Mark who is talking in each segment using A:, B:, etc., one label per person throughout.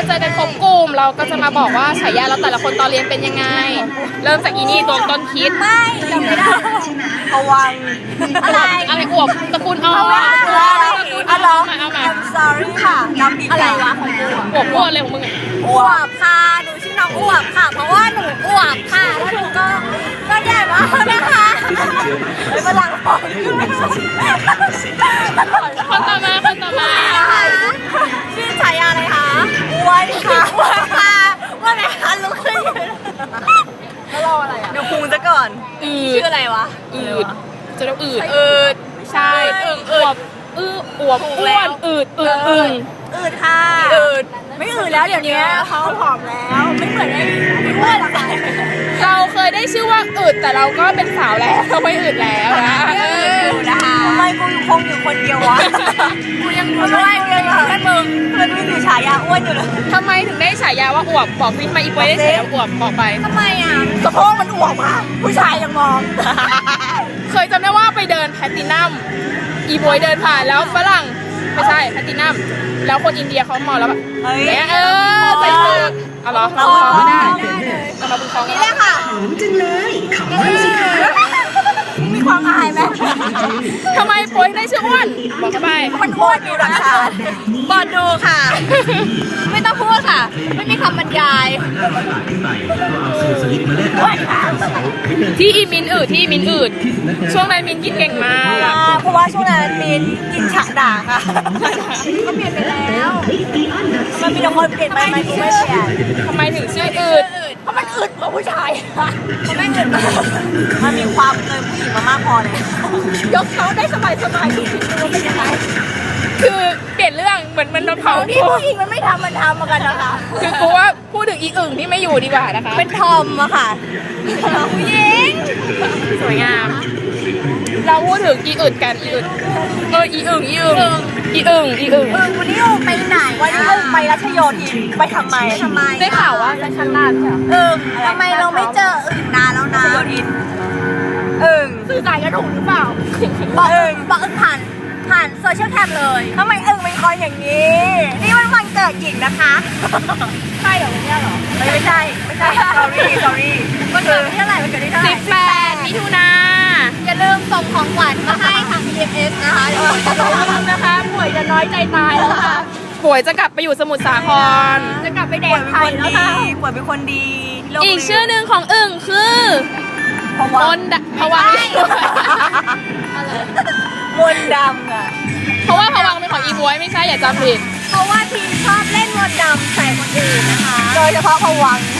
A: เจอกันครบกลุ่มเราก็จะมาบอกว่าฉายาเราแต่ละคนตอนเรียนเป็นยังไงเริ่มจากอีนี่ตัวต้นคิด
B: ไม่จำไม่ได้ระวัง
A: อะไรอวบตระกูลอ้อตระกูลอ้อมาเอามา
B: I'm sorry ค่ะจำผิดอะไรวะของกู
A: อวบอ้วนเลยของมึง
B: อวบค่ะหนูชื่อน้องอวบค่ะเพราะว่าหนูอวบค่ะแล้วหนูก็ใหญ่มากนะคะไม่เป็นไร
A: คนต่อมา
B: ชื่อฉายาอะไรคะอ้วนค่ะอ้วนค่ะว่าไงคะลุกขึ้นแล้วรออะไรอ่ะเดี๋ยวพุงซะก่อนชื่ออะไรวะ
A: จะต้องดใช่อวบอ้วนอืด
B: ค่ะไม่อืดแล้วเดี๋ยวนี้เขาผอมแล้วไม่เหมือนไอ้อ้วนหรอก
A: เราเคยได้ชื่อว่าอืดแต่เราก็เป็นสาวแล้วไม่อืดแล้วนะ
B: ทำไมกูคงอยู่คนเดียววะกูยังดูด้วยแค่มึงไม่มีฉายาอ้วนอยู่เลย
A: ทำไมถึงได้ฉายาว่าอวบบอกพี่มาอีกไว้ได้ฉายาอวบบอกไป
B: ทำไมอ่ะสะโพกมันอวบอ่ะผู้ชายยังมอง
A: เคยจำได้ว่าไปเดินแพลตินัมอีบอยเดินผ่านแล้วฝรั่งไม่ใช่แพลตินัมแล้วคนอินเดียเขามองแล้วแบบใส่สูทเอาเหรอเราไม่ได้เราเป็นของ
B: นี่แหละค่ะ
C: จังเลยขอบคุณสิคะ
B: มีความอายไหม
A: ทำไมโปยได้ชื่ออ้วนบอกเข้าไป
B: มันอ้วนอยู่หลังคาบอลดูค่ะไม่ต้องพูดค่ะไม่มีคำบรรยาย
A: ที่อีมินอืดช่วงนั้นมินกินเก่งมาก
B: เพราะว่าช่วงนั้นมินกินฉะด่างค่ะก็เปลี่ยนไปแล้วมันมีแต่คนเปลี่ยนไปไม่เปลี่ยน
A: ทำไมถึงชื่ออืด
B: เพราะมันอึดกว่าผู้ชายมันไม่อึดมันมีความเกินผู้หญิงมามากพอเลยยกเขาได้สบายทุกทีดูเป็นยังไง
A: คือเปลี่ยนเรื่องเหมือนมันโดนเผา
B: ที่ผู้หญิงมันไม่ทำมันทำมากันนะคะ
A: คือกูว่าพูดถึงอีอึ่งที่ไม่อยู่ดีกว่านะคะ
B: เป็นทอมอะค่ะผู้หญิง
A: สวยงามเราพูดถึงอีอึดกันอีอึดอีอึ่ง
B: วันนี้ไปไหนวันนี้ไปรัชโยธินไปทำไม
A: ได้ข่าวว่าจะชั้นลาดใช่
B: ทำไมเราไม่เจออึ่งนานแล้วนะรัชโยธินสื่อสารกันถูกหรือเปล่าบอกอึ่งผ่านโซเชียลแคมเลยทำไมอึ่งเป็นคนอย่างนี้นี่มันวันเกิดหญิงนะคะใช่เหรอเนี่ยเหรอไม่ใช่ sorry วันเกิดที่เท่าไหร่วันเกิดที่เท่าไหร่
A: 18 มิถุนา
B: อย่าลืมส่งของขวัญมาให้ทาง PMS นะคะเดี๋ยวจะส่งนะคะป่วยจะน้อยใจตายแล้วค่ะ
A: ป่วยจะกลับไปอยู่สมุทรสาคร
B: จะกลับไปแดกไทยแล้วค่ะป่วยเป็นคนดี
A: อีกชื่อหนึ่งของอึ่งคือมนผวัง
B: มนดำอ่ะ
A: เพราะว่าผวังเป็นของอีบวยไม่ใช่อย่าจำผิด
B: เพราะว่าทีมชอบเล่นมนดำใส่คนอื่นนะคะโดยเฉพาะผวัง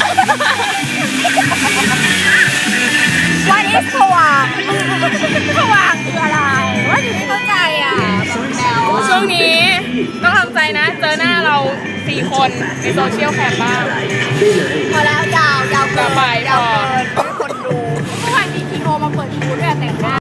B: วันนี้ผวังคืออะไรว่าอยู่ไม่เข้าใจอ่ะ
A: ช่วงนี้ต้องทำใจนะเจอหน้าเรา4 คนในโซเชียลแคมบ้าง
B: พอแล้วยาว
A: ต่อไปพอ